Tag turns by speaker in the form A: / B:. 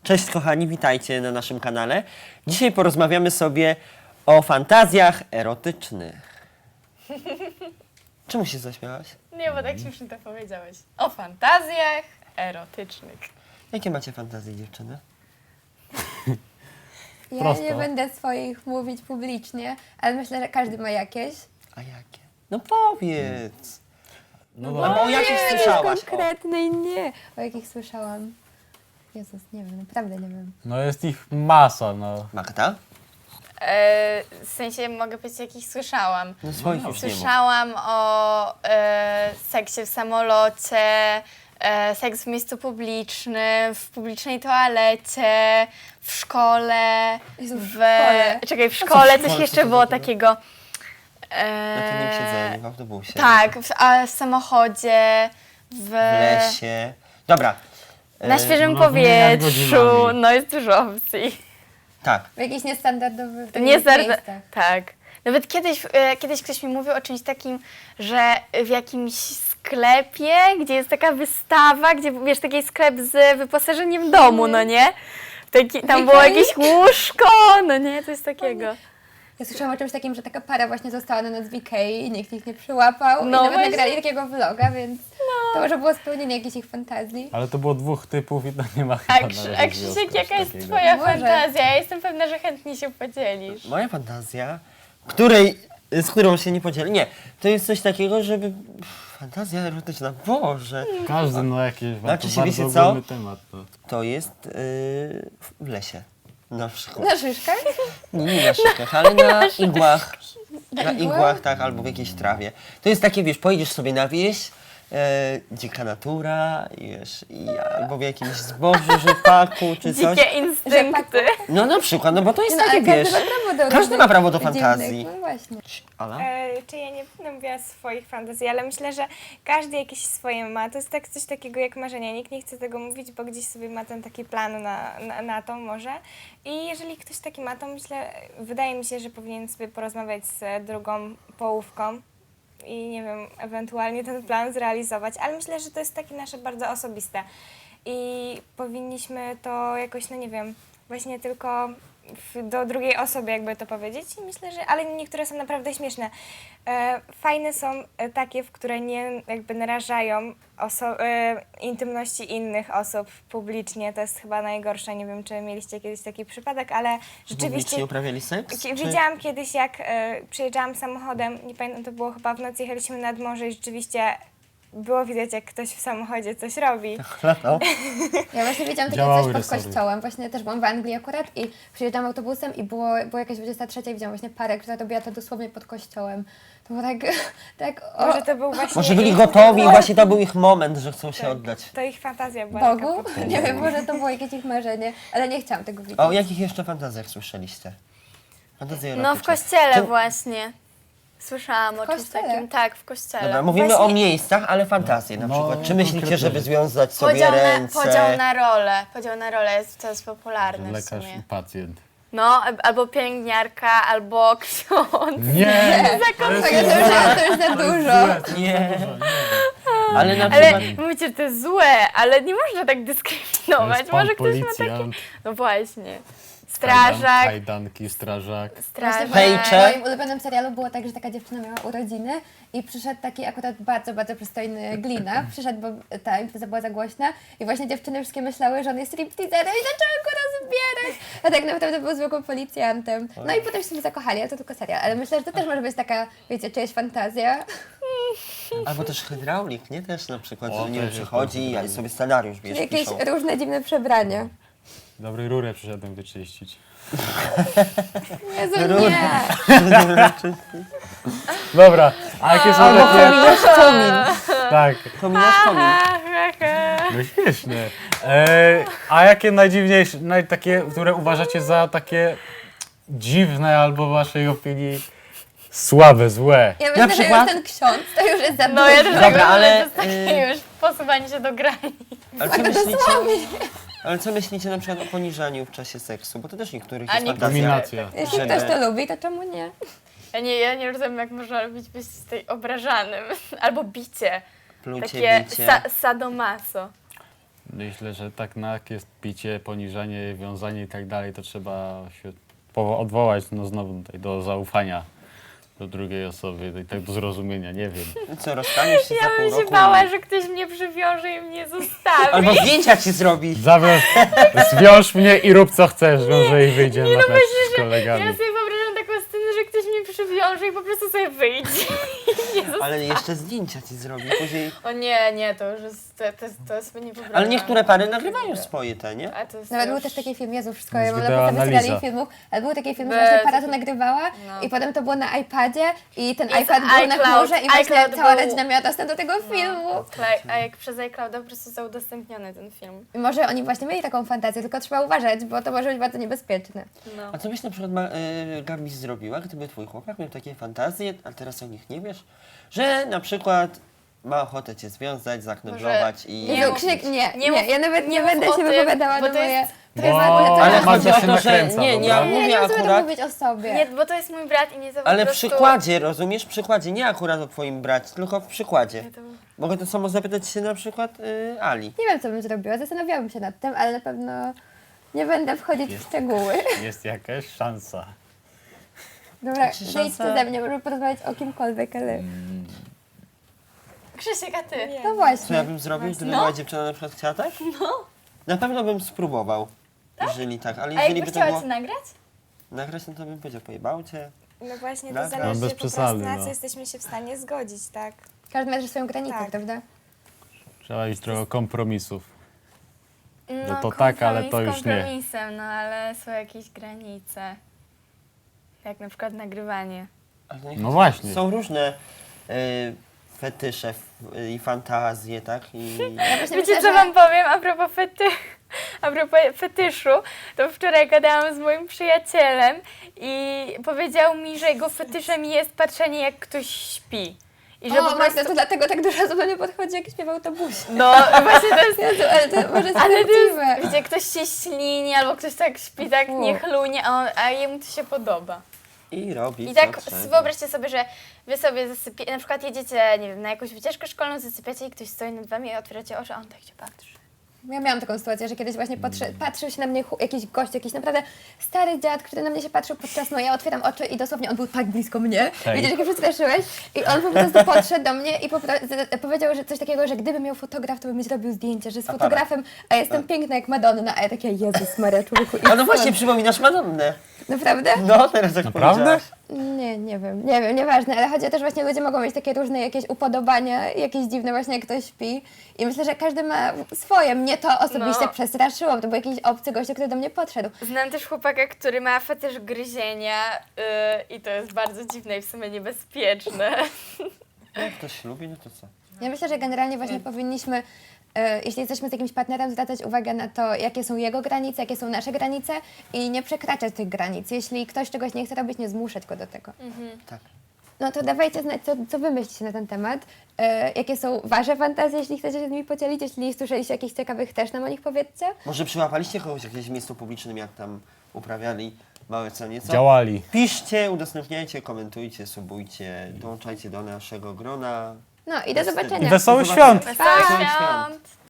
A: Cześć kochani, witajcie na naszym kanale. Dzisiaj porozmawiamy sobie o fantazjach erotycznych. Czemu się zaśmiałaś?
B: Nie, bo tak śmiesznie to powiedziałeś. O fantazjach erotycznych.
A: Jakie macie fantazje, dziewczyny?
C: Ja
D: Prosto.
C: nie będę swoich mówić publicznie, ale myślę, że każdy ma jakieś.
A: A jakie? No powiedz.
D: No
A: Albo o jakich słyszałaś? O.
C: Konkretnej nie. O jakich słyszałam. Jezus, nie wiem, naprawdę nie wiem.
D: No jest ich masa, no.
A: Magda?
B: W sensie mogę powiedzieć, jakich słyszałam.
A: No swoich już nie mów.
B: Słyszałam o seksie w samolocie, seks w miejscu publicznym, w publicznej toalecie, w szkole.
C: Jezu, w
B: w
C: szkole.
B: Czekaj, w szkole
A: w
B: coś
A: szkole?
B: jeszcze
A: Co to
B: było
A: takiego?
B: takiego.
A: Na tylnym siedzeniu, w autobusie.
B: Tak, w samochodzie,
A: W lesie. Dobra.
B: na świeżym
D: no, wymieniać
B: powietrzu.
D: godzinami.
B: No jest dużo opcji.
A: Tak.
C: W jakichś niestandardowych
B: Nie
C: miejscach.
B: Tak. Nawet kiedyś ktoś mi mówił o czymś takim, że w jakimś sklepie, gdzie jest taka wystawa, gdzie wiesz, taki sklep z wyposażeniem domu, no nie? Tam było jakieś łóżko, no nie, coś takiego.
C: Ja słyszałam o czymś takim, że taka para właśnie została na noc w Ikei i nikt ich nie przyłapał.
B: No
C: I nawet
B: właśnie.
C: nagrali takiego vloga, więc to może było spełnienie jakichś ich fantazji.
D: Ale to było dwóch typów i to nie ma
B: A,
D: chyba na razie
B: Krzysiek,
D: związku
B: jaka jest
D: takiego.
B: twoja
C: Może.
B: fantazja? Ja jestem pewna, że chętnie się podzielisz.
A: Moja fantazja, z którą się nie podzielę. Nie, to jest coś takiego, żeby... Fantazja erotyczna, Boże.
D: Każdy no jakieś
A: Znaczy
D: to
A: się,
D: bardzo
A: wiecie co?
D: ogólny temat. No.
A: To jest w lesie. Na przykład.
C: Na szyszkach?
A: Nie na szykach, ale na igłach. Na
C: igłach?
A: igłach, tak, albo w jakiejś trawie. To jest takie, wiesz, pojedziesz sobie na wieś, dzika natura, wiesz, albo w jakimś zbożu, rzepaku, czy coś.
B: Dzikie instynkty.
A: No na przykład, no bo to jest
C: No,
A: takie,
C: ale
A: wiesz,
C: każdy ma prawo do
A: każdy ma prawo do
C: różnych
A: fantazji.
C: dziwnych, no właśnie.
A: Ala?
E: Czy ja nie będę mówiła swoich fantazji, ale myślę, że każdy jakieś swoje ma. To jest tak coś takiego jak marzenie. Nikt nie chce tego mówić, bo gdzieś sobie ma ten taki plan na to może. I jeżeli ktoś taki ma, to wydaje mi się, że powinien sobie porozmawiać z drugą połówką i nie wiem, ewentualnie ten plan zrealizować. Ale myślę, że to jest takie nasze bardzo osobiste. I powinniśmy to jakoś, no nie wiem, właśnie tylko do drugiej osoby jakby to powiedzieć i myślę, że, ale niektóre są naprawdę śmieszne. Fajne są takie, w które nie jakby narażają intymności innych osób publicznie. To jest chyba najgorsze. Nie wiem, czy mieliście kiedyś taki przypadek, ale rzeczywiście
A: Publicznie uprawiali seks? Czy...
E: widziałam kiedyś, jak przyjeżdżałam samochodem, nie pamiętam, to było chyba w nocy, jechaliśmy nad morze i rzeczywiście było widać, jak ktoś w samochodzie coś robi.
A: No.
C: Ja właśnie widziałam takie
D: Działały
C: coś pod
D: resory.
C: kościołem. Właśnie też byłam w Anglii akurat i przyjeżdżałam autobusem i było jakieś 23 i widziałam właśnie parę, która robiła to dosłownie pod kościołem. To było tak
E: Może to był właśnie
A: Może byli
E: ich-
A: gotowi i właśnie to był ich moment, że chcą się oddać.
E: To ich fantazja była taka
C: Bogu.
E: po-
C: Nie wiem, może to było jakieś ich marzenie, ale nie chciałam tego widzieć.
A: A o jakich jeszcze fantazjach słyszeliście? Fantazje erotyczne.
B: No w kościele
A: To-
B: właśnie. Słyszałam o czymś
C: kościele?
B: takim. Tak, w kościele.
A: Dobra, mówimy
E: Właśnie-
A: o miejscach, ale fantazje na
D: No,
A: przykład. Czy myślicie,
D: konkretnie.
A: żeby związać sobie
B: Podział
A: ręce?
B: Podział na rolę jest coraz popularny w
D: Lekarz
B: sumie.
D: i pacjent.
B: No, albo pielęgniarka, albo ksiądz.
D: Nie!
C: To już za dużo.
A: Nie. Ale na
B: Ale
A: przykład...
B: mówicie, że to jest złe, ale nie można tak dyskryminować.
D: Jest pan
B: Może ktoś ma takie...
D: policjant,
B: No właśnie. Strażak,
D: kajdanki, strażak.
C: Właśnie
B: strażak.
C: w moim ulubionym serialu było tak, że taka dziewczyna miała urodziny i przyszedł taki akurat bardzo, bardzo przystojny glina. Przyszedł, bo ta impreza była za głośna i właśnie dziewczyny wszystkie myślały, że on jest stripteaserem i zaczęły go rozbierać. A tak naprawdę był zwykłym policjantem. No i potem się sobie zakochali, ale to tylko serial. Ale myślę, że to też może być taka, wiecie, czyjaś fantazja.
A: Albo też hydraulik, nie? Też na przykład,
D: O,
A: że nie
D: też jest
A: przychodzi i
D: hydraulik.
A: sobie scenariusz, wiesz,
C: Jakieś
A: piszą.
C: różne dziwne przebrania.
D: Dobry rurę przyszedłem wyczyścić.
C: Jezu, nie!
D: Dobra, a jakie są
A: Albo
D: takie...
A: pominasz komin.
D: Tak,
A: Pominasz komin.
D: no śmieszne. A jakie najdziwniejsze, takie, które uważacie za takie dziwne albo w waszej opinii słabe, złe?
C: Ja myślę, że
A: przykład?
C: już ten ksiądz to już jest za
B: No ja też
C: dużo.
A: Dobra,
B: tego
A: ale,
B: ale to jest takie już posuwanie się do granic.
A: Ale co myślicie? Ale co myślicie na przykład o poniżaniu w czasie seksu? Bo to też niektórych
B: A
A: jest
B: niektórzy-
A: fantazja.
D: Dominacja.
C: Jeśli
A: Żeby-
C: ktoś to lubi, to czemu nie?
B: Ja nie rozumiem, jak można robić być tej obrażanym. Albo bicie.
A: Plucie,
B: Takie
A: bicie.
B: sadomaso.
D: Myślę, że tak jak jest picie, poniżanie, wiązanie i tak dalej, to trzeba się odwołać no znowu tutaj do zaufania do drugiej osoby, i tak do zrozumienia, nie wiem.
A: Co, rozstaniesz się za
B: Ja
A: pół
B: bym się
A: roku?
B: bała, że ktoś mnie przywiąże i mnie zostawi.
A: Albo zdjęcia ci zrobi.
D: Zwiąż mnie i rób co chcesz, wiąże i wyjdzie na mecz z
B: Ja
D: kolegami.
B: sobie wyobrażam taką scenę, że ktoś mnie przywiąże i po prostu sobie wyjdzie.
A: Ale jeszcze zdjęcia ci zrobi później.
B: O nie, to już jest, to jest niepoprawne.
A: Ale niektóre pary nagrywają swoje te, nie?
B: A to jest
C: Nawet
B: już...
C: był też taki film, Jezu, wszystko,
D: To
C: ja
D: jest
C: mam naprawdę
D: wideoanaliza.
C: seriali filmów, ale był taki film, że
B: Bez-
C: właśnie para to nagrywała
B: No.
C: i potem to było na iPadzie i ten
B: Jest
C: iPad był na
B: iCloud.
C: chmurze i właśnie
B: iCloud
C: cała
B: był-
C: rodzina miała dostęp do tego filmu.
B: A jak przez iClouda po prostu został udostępniony ten film.
C: I może oni właśnie mieli taką fantazję, tylko trzeba uważać, bo to może być bardzo niebezpieczne.
B: No.
A: A co byś na przykład Gabi zrobiła, gdyby twój chłopak miał takie fantazje, a teraz o nich nie wiesz, że na przykład ma ochotę cię związać, zakneblować i...
B: Nie
C: Jezu,
B: mów-
C: Krzyk, nie,
B: nie mów-
C: ja nawet nie
B: mów
C: będę
B: o
C: się
B: tym,
C: wypowiadała
B: bo
C: na
B: to
C: moje...
B: jest-
C: To jest
B: Ale
C: w ogóle
A: Ale
C: temat-
A: chodzi o
D: się
A: to, że
D: nakręca,
A: nie,
D: dobra?
A: ja
C: Nie, nie
A: mówię
C: mam zamiaru
A: akurat,
C: mówić o sobie.
B: Nie, bo to jest mój brat i nie za
A: ale
B: po
A: w
B: prostu...
A: przykładzie, rozumiesz? W przykładzie, nie akurat o twoim bracie, tylko w przykładzie.
B: Nie, to-
A: Mogę to samo zapytać się na przykład Ali.
C: Nie wiem, co bym zrobiła, zastanawiałabym się nad tym, ale na pewno nie będę wchodzić w szczegóły.
D: Jest jakaś szansa.
C: Dobra,
A: Czy
C: zejdźcie
A: szansa-
C: ze mnie, możemy porozmawiać o kimkolwiek, ale...
B: Krzysiek, a ty?
C: No
A: Co ja
C: właśnie.
A: bym zrobił, gdyby
B: No.
A: moja dziewczyna na przykład chciała tak?
B: No.
A: Na pewno bym spróbował. Jeżeli tak, ale
B: A
A: jeżeli
B: jakby
A: by to
B: chciała
A: było
B: cię nagrać?
A: nagrać, no to bym powiedział, pojebał cię.
E: No właśnie, to
A: Dobra.
E: zależy
D: No, bez
E: po prostu
D: przesady,
E: na
D: no.
E: co jesteśmy się w stanie zgodzić, tak?
C: Każdy ma też swoją granicę,
E: Tak.
C: prawda?
D: Trzeba iść trochę kompromisów.
B: No
D: to tak, ale to już nie.
B: kompromisem, no ale są jakieś granice. Jak na przykład nagrywanie.
A: Ale nie
D: No
A: chodzi-
D: właśnie.
A: Są różne fetysze i fantazje, tak? I
C: Właśnie
B: Wiecie,
C: myślę,
B: co
C: że-
B: wam powiem a propos fetyszu? To wczoraj gadałam z moim przyjacielem i powiedział mi, że jego fetyszem jest patrzenie, jak ktoś śpi. I że
C: O,
B: po prostu...
C: Magda, to dlatego tak dużo osób do mnie podchodzi, jak śpiewa autobusie.
B: No, właśnie to jest...
C: Jezu, ale to może jest
B: Ale to
C: prawdziwe.
B: jest, wiecie, ktoś się ślini, albo ktoś tak śpi, tak
C: Fu.
B: niechlujnie, a jemu to się podoba.
A: i robi
B: I
A: co
B: tak
A: trzeba.
B: wyobraźcie sobie, że wy sobie zasypiacie, na przykład jedziecie, nie wiem, na jakąś wycieczkę szkolną, zasypiacie i ktoś stoi nad wami i otwieracie oczy, a on tak się patrzy.
C: Ja miałam taką sytuację, że kiedyś właśnie patrzył się na mnie jakiś gość, jakiś naprawdę stary dziad, który na mnie się patrzył podczas snu. Ja otwieram oczy i dosłownie on był tak blisko mnie.
D: Hej.
C: Widzisz, jak się przestraszyłeś? I on po prostu podszedł do mnie i powiedział, że coś takiego, że gdyby miał fotograf, to by mi zrobił zdjęcie, że z
A: Aparat.
C: fotografem, a jestem piękna jak Madonna. A ja takie, Jezus Maria, człowieku.
A: A no
C: idź
A: właśnie,
C: stąd.
A: przypominasz Madonnę.
C: Naprawdę?
A: No, teraz jak
D: Naprawdę?
A: powiedziałaś.
C: Nie wiem, nieważne, ale chodzi o to, że właśnie ludzie mogą mieć takie różne jakieś upodobania, jakieś dziwne właśnie jak ktoś śpi i myślę, że każdy ma swoje. Mnie to osobiście
B: No.
C: przestraszyło, to był jakiś obcy gość, który do mnie podszedł.
B: Znam też chłopaka, który ma fetysz gryzienia i to jest bardzo dziwne i w sumie niebezpieczne.
A: Jak ktoś lubi, no to co?
C: Ja myślę, że generalnie właśnie powinniśmy, jeśli jesteśmy z jakimś partnerem, zwracać uwagę na to, jakie są jego granice, jakie są nasze granice i nie przekraczać tych granic. Jeśli ktoś czegoś nie chce robić, nie zmuszać go do tego.
A: Tak.
C: No to dawajcie znać, co wy myślicie na ten temat. Jakie są wasze fantazje, jeśli chcecie się z nimi podzielić. Jeśli słyszeliście jakichś ciekawych, też nam o nich powiedzcie.
A: Może przyłapaliście kogoś w jakimś miejscu publicznym, jak tam uprawiali małe co nieco?
D: Działali.
A: Piszcie, udostępniajcie, komentujcie, subujcie, dołączajcie do naszego grona.
C: No i do zobaczenia.
D: Wesołych
A: Do zobaczenia.
D: świąt!
B: Wesołych
A: Wesołych
B: świąt!